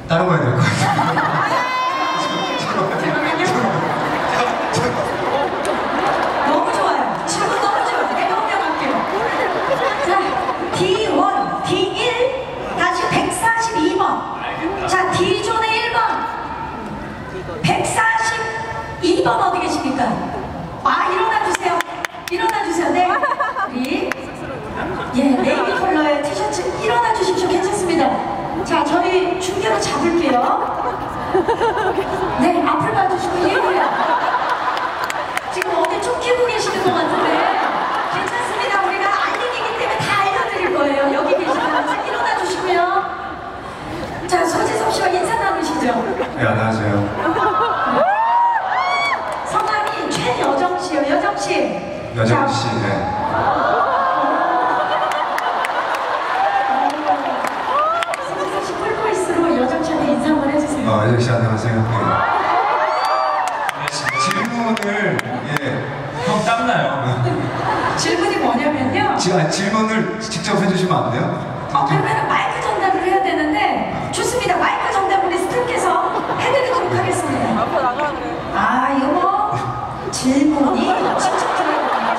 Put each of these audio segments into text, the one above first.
다른 거 해야 될 것 같아요. 너무 좋아요. 질문 너무 좋아요. 내가 혼명할게요. 자, D1, D1, 다시 142번. 자, D존의 1번. 142번 어디 계십니까? 아, 일어나주세요. 일어나주세요. 네. 우리, 예, 네이비 컬러의 티셔츠 일어나주십시오. 괜찮습니다. 자, 저희 중계로 잡을게요. 네, 앞을 봐주시고, 예고요. 지금 어디 쫓기고 계시는 것 같은데 괜찮습니다. 우리가 알리기이기 때문에 다 알려드릴 거예요. 여기 계시면 일어나 주시고요. 자, 소지섭 씨와 인사 나누시죠. 네, 안녕하세요. 성함이 최여정 씨요. 여정 씨. 여정 씨, 네. 소지섭 씨 폴보이스로 여정 씨한테 인사 한번 해주세요. 여정 씨 안녕하세요. 네. 질문을 형 땀나요. 질문이 뭐냐면요. 질문을 직접 해주시면 안 돼요? 그러면 마이크 전달을 해야 되는데 좋습니다. 마이크 전달 우리 스태프께서 해드리도록 하겠습니다. 앞으로 나가라 그래. 아, 이거 뭐 질문이 직접 들어가요.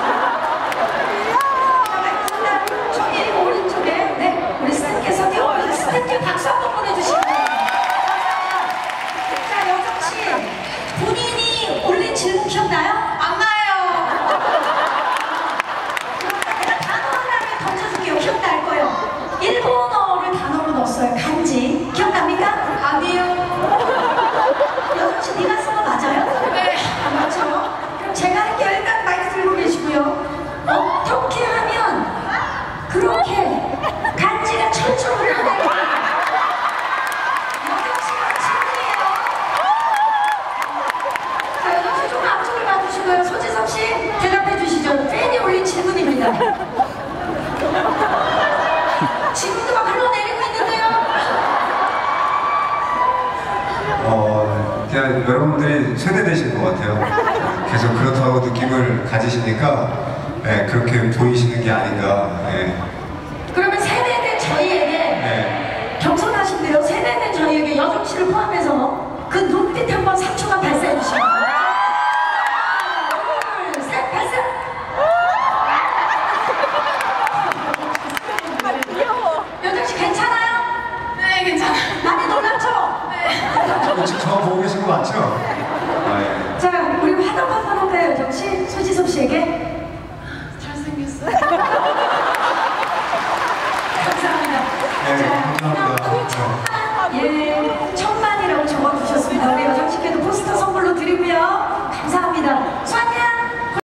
자, 마이크 전달 저기 오른쪽에 네, 우리 스태프께서 뛰어오셔서 스태프께 박수 한번 보내주시면 돼요. 자, 여정씨 본인이 올린 질문 기억나요? 안 나요. 내가 단어 하나를 던져줄게요. 기억날 거예요. 일본어를 단어로 넣었어요. 간지. 기억납니까? 아니요. 여정씨 네가 쓴 거 맞아요? 네. 맞죠? 그럼 제가 할게요. 일단 마이크 들고 계시고요. 어떻게 하면 그렇게 간지가 철철 흘러나요? 여정씨가 질문이에요. 자, 여정씨 좀 앞쪽을 봐주시고요. 소지섭 씨 대답해 주시죠. 팬이 올린 질문입니다. 지금도 막 흘러내리고 있는데요. 그냥 여러분들이 세대되신 것 같아요. 계속 그렇다고 느낌을 가지시니까 네, 그렇게 보이시는 게 아닌가. 네. 그러면 세대된 저희에게 네. 겸손하신데요. 세대된 저희에게 여정 씨를 포함해서 그 눈빛 한번 3초간 발사해 주시면. 둘, 셋, 발사. 여정 씨 괜찮아요? 네, 괜찮아요. 많이 놀랍죠? 네. 지금 저 보고 계신 거 맞죠? 예. 자, 우리 화답 한번 할까요, 여정 씨? 소지섭 씨에게. 잘생겼어요. 감사합니다. 네, 자, 감사합니다. 예.